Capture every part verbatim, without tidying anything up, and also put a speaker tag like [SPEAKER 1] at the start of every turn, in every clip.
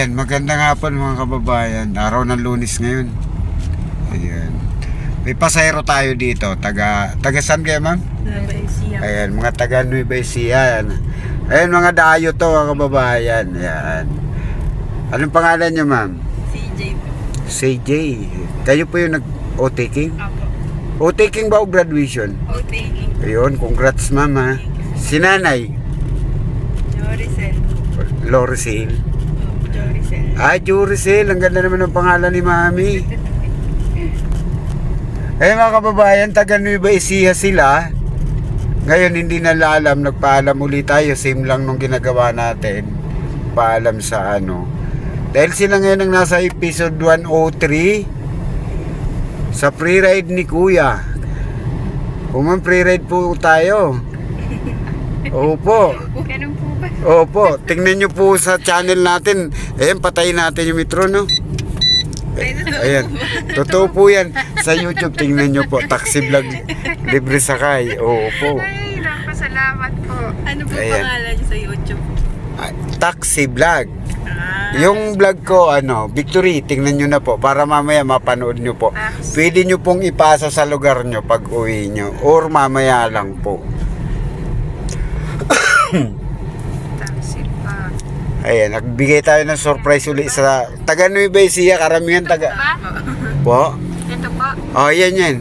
[SPEAKER 1] Ayan, magandang hapon mga kababayan. Araw ng Lunes ngayon. Ayan. May pasayro tayo dito. Taga, taga saan kayo, ma'am?
[SPEAKER 2] Nueva Ecija.
[SPEAKER 1] Ayan, mga taga Nueva Ecija. Ayan, mga dayo to mga kababayan. Ayan. Anong pangalan niyo, ma'am?
[SPEAKER 2] C J po.
[SPEAKER 1] C J. Kayo po yung nag-o-taking?
[SPEAKER 2] Apo.
[SPEAKER 1] O-taking ba o graduation?
[SPEAKER 2] O-taking.
[SPEAKER 1] Ayun, congrats, ma'am, ha. Si nanay,
[SPEAKER 2] Joricel.
[SPEAKER 1] Loricel.
[SPEAKER 2] Oh, Joricel.
[SPEAKER 1] Ah, Juricel. Ang ganda naman ng pangalan ni mami. Eh mga kababayan, taga Nueva Ecija sila. Ngayon hindi na alam, nagpaalam ulit tayo. Same lang nung ginagawa natin. Paalam sa ano. Dahil sila ngayon ang nasa episode one oh three sa pre-ride ni Kuya. Kung man pre-ride po tayo. Opo.
[SPEAKER 2] Ganun po ba?
[SPEAKER 1] Opo, tingnan nyo po sa channel natin. Ayan, patayin natin yung metro, no? Ayan, totoo po yan. Sa YouTube, tingnan nyo po. Taxi vlog, libre sakay. Opo.
[SPEAKER 2] Ay, napasalamat po. Ano po
[SPEAKER 1] Ayan.
[SPEAKER 2] pangalan niyo sa YouTube?
[SPEAKER 1] Ah, Taxi vlog.
[SPEAKER 2] Ah,
[SPEAKER 1] Yung vlog ko, ano, Victory, tingnan nyo na po. Para mamaya mapanood nyo po. Pwede nyo pong ipasa sa lugar nyo pag uwi nyo. Or mamaya lang po.
[SPEAKER 2] taxi pa.
[SPEAKER 1] Ayan, nagbigay tayo ng surprise ulit sa taga Nueva Ecija, karamihan taga... Po?
[SPEAKER 2] Ito po.
[SPEAKER 1] Oh, yan yan.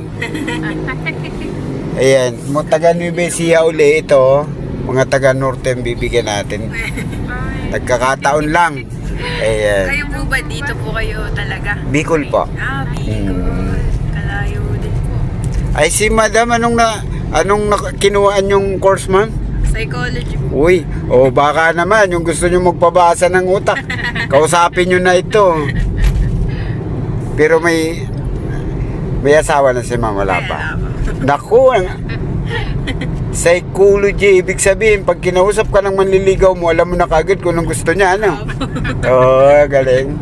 [SPEAKER 1] Ayan, mga taga Nueva Ecija uli ito. Mga taga Norte ang bibigyan natin. Nagkakataon lang. Ayan.
[SPEAKER 2] Kayo po ba dito po kayo talaga?
[SPEAKER 1] Bicol po.
[SPEAKER 2] Ah, Bicol.
[SPEAKER 1] Hmm.
[SPEAKER 2] Kalayo din po.
[SPEAKER 1] Ay si madam, anong na anong na, kinuhaan yung course, ma'am?
[SPEAKER 2] Psychology po.
[SPEAKER 1] Uy, o baka naman yung gusto nyo magpabasa ng utak. Kausapin nyo na ito. Pero may may asawa na si ma'am, wala pa. Naku, ang psychology, ibig sabihin, pag kinausap ka ng manliligaw mo, alam mo na kagad kung anong gusto niya, ano? Oo, oh, galing.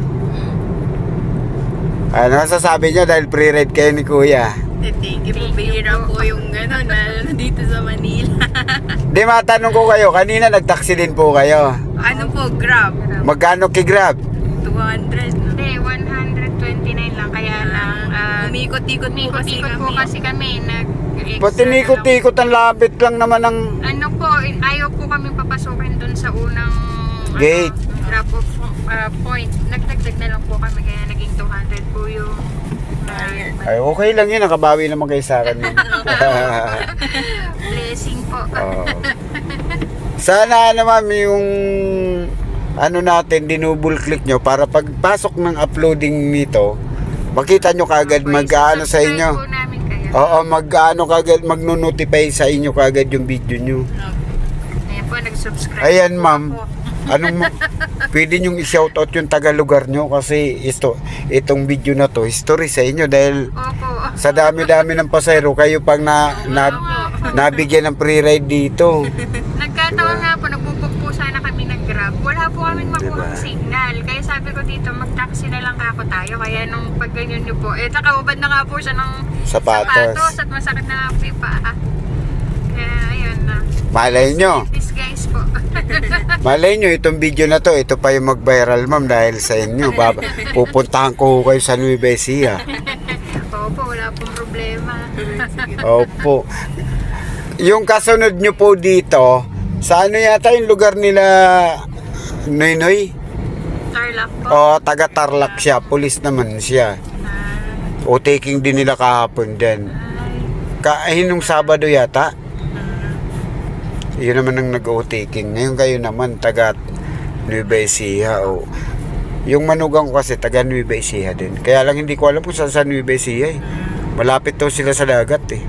[SPEAKER 1] Ano sasabi niya dahil pre-read kayo ni Kuya?
[SPEAKER 2] Thank you po. Bihira po yung gano'n na dito sa Manila.
[SPEAKER 1] Di, matanong ko kayo, kanina nag-taxi din po kayo.
[SPEAKER 2] Ano po, Grab?
[SPEAKER 1] Magkano ki-Grab?
[SPEAKER 2] two hundred. Hindi, one twenty-nine lang. Kaya lang, uh, umikot-ikot po kasi
[SPEAKER 3] Ikot
[SPEAKER 2] kami.
[SPEAKER 3] po kasi kami nag
[SPEAKER 1] Pati nikot-ikot ang lapit lang naman ng
[SPEAKER 3] Ano po, ayaw po kami papasukin dun sa unang
[SPEAKER 1] Gate.
[SPEAKER 3] ano, drop off uh, point. Nagdagdag na lang po kami kaya naging two hundred po yung
[SPEAKER 2] Ayan.
[SPEAKER 1] Ay, okay lang yun, nakabawi naman kayo sa akin yun.
[SPEAKER 3] blessing po.
[SPEAKER 1] Oo. Sana naman yung ano natin, dinouble click nyo para pagpasok ng uploading nito, makita nyo kagad mag-ano sa
[SPEAKER 3] Subscribe
[SPEAKER 1] inyo.
[SPEAKER 3] po namin kayo.
[SPEAKER 1] Oo, mag-ano kagad, magno-notify sa inyo kagad yung video nyo.
[SPEAKER 3] Ayan po, nag-subscribe
[SPEAKER 1] Ayan,
[SPEAKER 3] po
[SPEAKER 1] ma'am.
[SPEAKER 3] ako.
[SPEAKER 1] Anong ma- pwede nyong i-shoutout yung taga-lugar nyo kasi ito, itong video na to, history sa inyo dahil
[SPEAKER 3] Opo.
[SPEAKER 1] sa dami-dami ng pasayro, kayo pang na, na, nabigyan ng pre-ride dito.
[SPEAKER 3] Nagkataon nga po, nagbubok po sana kami ng Grab. Wala po kami makuha
[SPEAKER 1] Diba?
[SPEAKER 3] signal. Kaya sabi ko dito, mag-taxi na lang ako tayo. Kaya nung pag ganyan nyo po, eh nakaubad na nga po siya ng
[SPEAKER 1] Sapatos.
[SPEAKER 3] sapatos at masakit na nga po yung paa. Kaya ayun na.
[SPEAKER 1] Malay nyo,
[SPEAKER 3] This guys po.
[SPEAKER 1] malay nyo, itong video na to, ito pa yung mag-viral, ma'am, dahil sa inyo. Baba, pupuntahan ko kayo sa Nueva Ecija.
[SPEAKER 3] Opo, wala pong problema.
[SPEAKER 1] Opo. Yung kasunod nyo po dito, sa ano yata yung lugar nila, Noynoy?
[SPEAKER 3] Tarlac po.
[SPEAKER 1] O, taga Tarlac siya, pulis naman siya. O, taking din nila kahapon din. Kahinong Sabado yata. Yun naman ang nag-o-taking. Ngayon kayo naman, taga Nueva Ecija. O. Yung manugang ko kasi, taga Nueva Ecija din. Kaya lang hindi ko alam kung saan sa Nueva Ecija eh. Malapit to sila sa dagat eh.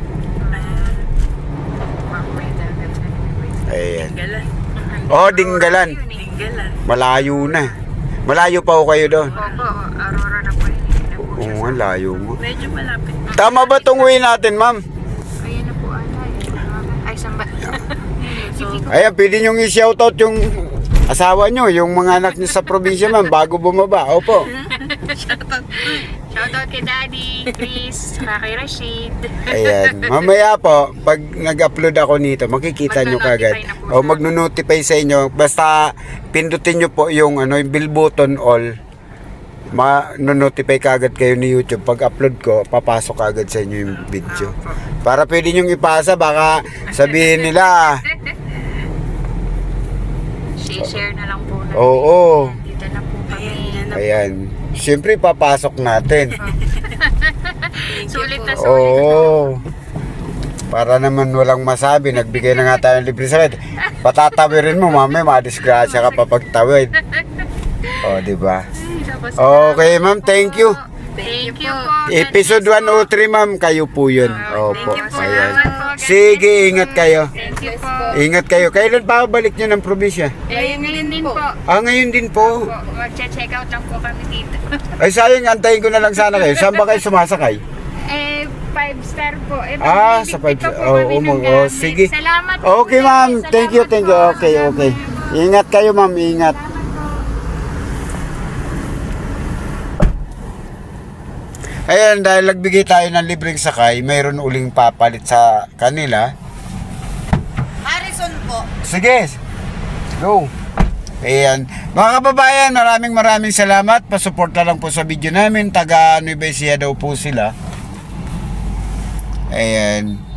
[SPEAKER 1] Ayan.
[SPEAKER 2] Dinggalan.
[SPEAKER 1] Oh, Dinggalan.
[SPEAKER 2] Dinggalan.
[SPEAKER 1] Malayo na. Malayo pa ho kayo doon.
[SPEAKER 3] Opo, Aurora na po yun. Hindi na po siya.
[SPEAKER 1] Oo nga, layo mo.
[SPEAKER 2] Medyo malapit.
[SPEAKER 1] Tama ba itong uwi natin, ma'am?
[SPEAKER 3] Ayan na po ata. eh. Ay, saan ba?
[SPEAKER 2] So,
[SPEAKER 1] Ayan, pwede nyo i-shoutout yung asawa nyo, yung mga anak nyo sa probinsya, ma'am, bago bumaba. Opo.
[SPEAKER 3] Shoutout kay Daddy, Chris, saka kay Rashid.
[SPEAKER 1] Ayan. Mamaya po, pag nag-upload ako nito, makikita nyo kagad.
[SPEAKER 3] Magno-notify na po
[SPEAKER 1] O
[SPEAKER 3] siya.
[SPEAKER 1] magno-notify sa inyo. Basta pindutin nyo po yung ano, yung bell button all. Ma-notify kagad kayo ni YouTube. Pag upload ko, papasok kagad sa inyo yung video. Para pwede nyo ipasa, baka sabihin nila,
[SPEAKER 3] Share na lang po natin.
[SPEAKER 1] oo.
[SPEAKER 3] Dito na po kami.
[SPEAKER 1] Ayan. Siyempre, papasok natin.
[SPEAKER 3] Sulit na sulit.
[SPEAKER 1] Oo. Para naman walang masabi, nagbigay na nga tayo ng libre sa ride. Patatawirin mo, mami, madisgrasya ka pa pagtawid. O, di ba?
[SPEAKER 3] Tapos,
[SPEAKER 1] Okay, ma'am, thank you.
[SPEAKER 3] Thank you po.
[SPEAKER 1] Episode one oh three, ma'am, kayo po yun. Opo,
[SPEAKER 3] Thank you po.
[SPEAKER 1] ayan.
[SPEAKER 3] Salamat po.
[SPEAKER 1] Sige, ingat kayo.
[SPEAKER 3] Thank you po.
[SPEAKER 1] Ingat kayo. Kailan pa balik nyo ng probinsya?
[SPEAKER 3] Eh, ngayon din po.
[SPEAKER 1] Ah, ngayon din po.
[SPEAKER 3] Po, Magche-check out lang po kami dito.
[SPEAKER 1] Ay, sayang, antayin ko na lang sana kayo. Saan ba kayo sumasakay?
[SPEAKER 3] Eh, five star po. Eh,
[SPEAKER 1] Ah,
[SPEAKER 3] magbibigay
[SPEAKER 1] sa five
[SPEAKER 3] pa
[SPEAKER 1] star.
[SPEAKER 3] po
[SPEAKER 1] Oh,
[SPEAKER 3] kami
[SPEAKER 1] oh,
[SPEAKER 3] ng
[SPEAKER 1] oh,
[SPEAKER 3] gamit.
[SPEAKER 1] sige.
[SPEAKER 3] Salamat po.
[SPEAKER 1] Okay,
[SPEAKER 3] ulit.
[SPEAKER 1] ma'am. Thank you,
[SPEAKER 3] Salamat
[SPEAKER 1] thank you.
[SPEAKER 3] po.
[SPEAKER 1] Okay, okay. Ingat kayo, ma'am. Ingat. Ayan, dahil nagbigay tayo ng libreng sakay, mayroon uling papalit sa kanila.
[SPEAKER 2] Harrison po.
[SPEAKER 1] Sige, go. Ayan. Mga kababayan, maraming maraming salamat. Pasuporta lang po sa video namin. Taga Nueva Ecija daw po sila. Ayan.